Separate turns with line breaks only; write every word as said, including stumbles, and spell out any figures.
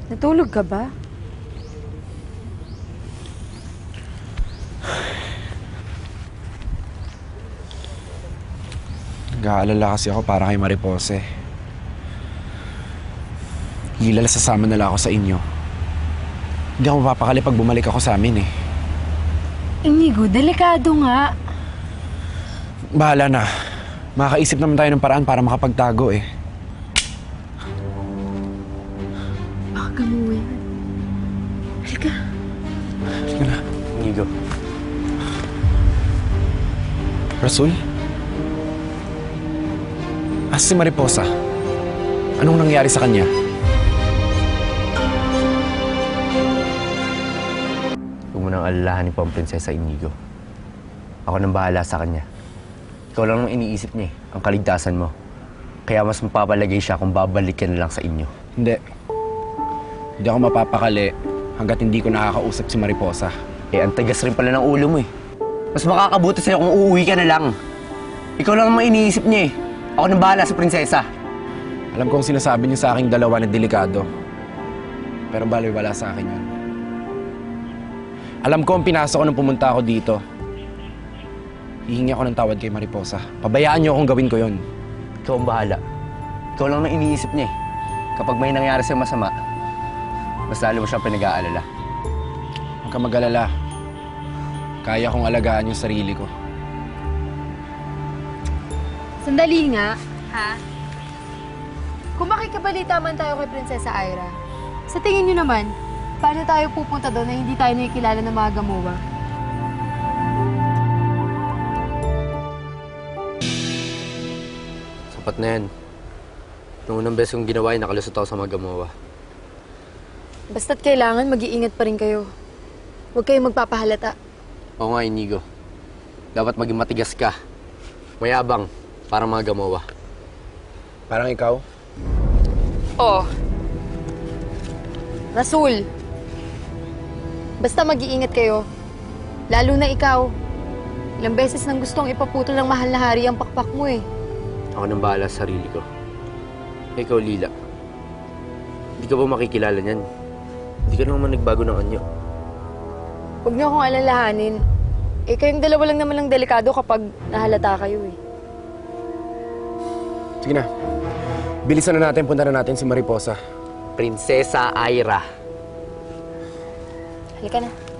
Natulog ka ba?
Nag-aalala kasi ako para kay Maripose. Hilala sasama nila ako sa inyo. Hindi ako mapapakali pag bumalik ako sa amin eh.
Inigo, delikado nga.
Bahala na. Makakaisip naman tayo ng paraan para makapagtago eh.
Baka gamuwi yan. Halika.
Halika na.
Inigo.
Rasul? Asa si Mariposa? Anong nangyari sa kanya?
Huwag mo nang alalahanin pa ang prinsesa Inigo. Ako nang bahala sa kanya. Ikaw lang nang iniisip niya eh, ang kaligtasan mo. Kaya mas mapapalagay siya kung babalik ka na lang sa inyo.
Hindi. Hindi ako mapapakali hanggat hindi ko nakakausap si Mariposa.
Eh, ang tagas rin pala ng ulo mo eh. Mas makakabuti sa'yo kung uuwi ka na lang. Ikaw lang ang iniisip niya eh. Ako nang bahala sa prinsesa.
Alam kong sinasabi niyo sa aking dalawa na delikado. Pero baliwala sa akin yun. Alam ko ang pinasok ko nung pumunta ako dito. Hihingi ako ng tawad kay Mariposa. Pabayaan niyo akong gawin ko yun.
Ikaw ang bahala. Ikaw lang ang iniisip niya eh. Kapag may nangyari sa'yo masama, mas lalo mo siyang pinag-aalala.
Huwag ka mag-alala. Kaya kong alagaan yung sarili ko.
Sandali nga, ha? Kung makikabalita man tayo kay Prinsesa Ira, sa tingin niyo naman, paano tayo pupunta doon na hindi tayo nakikilala ng mga gamuwa?
Sapat na yan. Nung unang beses kong ginawa yun, nakalusot ako sa mga gamowa.
Basta't kailangan, mag-iingat pa rin kayo. Huwag kayong magpapahalata.
Oo nga, Inigo. Dapat maging matigas ka. Mayabang, para mga gamowa.
Parang ikaw?
Oo. Rasul, basta mag-iingat kayo. Lalo na ikaw. Ilang beses nang gustong ipaputol ng mahal na hari ang pakpak mo eh.
Ako nang bahala sa sarili ko. Ikaw, Lila. Hindi ka ba makikilala niyan? Hindi ka naman nagbago ng anyo.
Huwag niyo akong alalahanin. Eh, kayong dalawa lang naman lang delikado kapag nahalata kayo eh.
Sige na. Bilisan na natin, punta na natin si Mariposa.
Prinsesa Ira.
Halika na.